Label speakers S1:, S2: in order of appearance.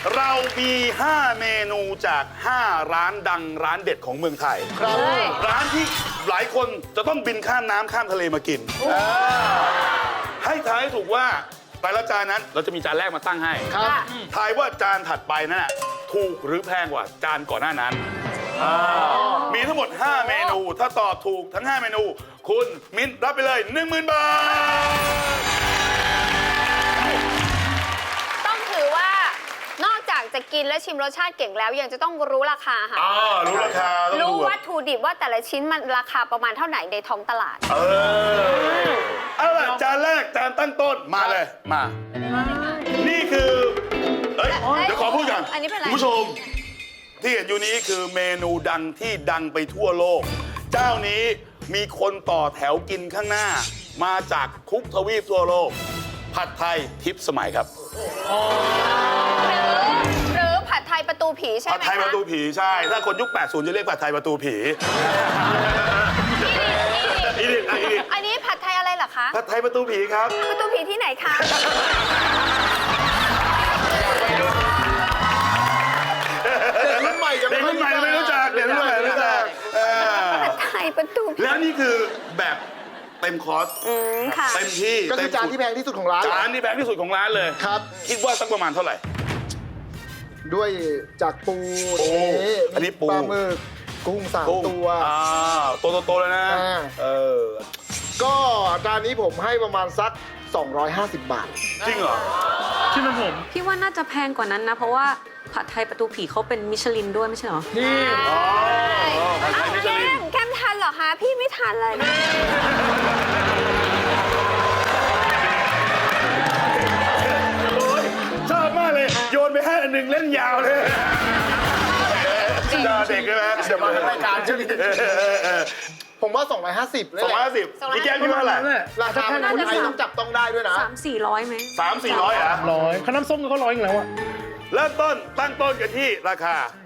S1: เรามี 5 เมนูจาก 5 ร้านดังร้านเด็ดของเมืองไทย
S2: ครับ
S1: ร้านที่หลายคนจะต้องบินข้ามน้ำข้ามทะเลมากิน ให้ทายให้ถูกว่าแต่ละจานนั้นเราจะมีจานแรกมาตั้งให้
S2: ครับ
S1: ทายว่าจานถัดไปนั่นน่ะถูกหรือแพงกว่าจานก่อนหน้านั้นมีทั้งหมด 5 เมนู ถ้าตอบถูกทั้ง 5 เมนู คุณมิ้นรับไปเลย 10,000 บาท
S3: ต้องถือว่านอกจากจะกินและชิมรสชาติเก่งแล้ว ยังจะต้องรู้ราคาค่ะ
S1: รู้ราคาต้อง
S3: รู้
S1: ดู
S3: วัตถุดิบว่าแต่ละชิ้นมันราคาประมาณเท่าไหร่ในท้องตลาด
S1: เอาล่ะจานแรกจานตั้งต้นมาเลยมา นี่คือเอ้ยเดี๋ยวขอพูดก่อน
S3: อันนี้เป็นอะไร
S1: คุณผู้ชม ที่เห็นอยู่นี้คือเมนูดังที่ดังไปทั่วโลก เจ้านี้มีคนต่อแถวกินข้างหน้า มาจากทุกทวีปทั่วโลก ผัดไทยทิพย์สมัยครับ
S3: หรือผัดไทยประตูผีใช่ไหม
S1: ผัดไทยประตูผีใช่ ถ้าคนยุค 80 จะเรียกผัดไทยประตูผี
S3: อันนี้ผัดไทยอะไรเหรอคะ
S1: ผัดไทยประตูผีครับ
S3: ประตูผีที่ไหนคะ
S2: รุ่นใหม่จะ
S1: เด็กรุ่นใหม่ไม่รู้จักเด็กรุ่นใหม่ไม่รู้จัก
S3: ผัดไทยประตูผี
S1: แล้วนี่คือแบบเต็มคอร์ส
S3: ค่ะ
S1: เต็มที่
S2: ก็คือจานที่แพงที่สุดของร้าน
S1: จานที่แพงที่สุดของร้านเลย
S2: ครับ
S1: คิดว่าสักประมาณเท่าไหร่
S2: ด้วยจากปู
S1: โอ้อันนี้ปู
S2: ปลาหมึกกุ้งสามตัว
S1: ตัวโตๆเลยนะ
S2: ก็จานนี้ผมให้ประมาณสัก 250 บาท
S1: จริงเหรอ
S4: พี่ว่าน่าจะแพงกว่านั้นนะ เพราะว่าผัดไทยประตูผีเขาเป็นมิชลินด้วยไม่ใช่เหรอ
S2: นี่
S1: ผัดไท
S3: อ้าวย
S1: มิชลิน
S3: แก้มทันเหรอคะ พี่ไม่ทันเลย
S1: โอ้ยชอบมากเลย โยนไปให้อันหนึ่งเล่นยาวเลยเด็กใช่ไหม
S2: เดี๋ยวมาทางรายการเช่วนี้ผมว่า 250เลย
S1: 250พี่แก้มคิดว่าเท่าไหร่
S2: ราคาคนไทยต้องจับต้องได้ด้วยนะ
S4: 300-400ไหม
S1: 300-400เหรอ
S5: 100ข้าวน้ำส้มก็100อีกแล้วอะ
S1: เริ่มต้นตั้งต้นกันที่ราคา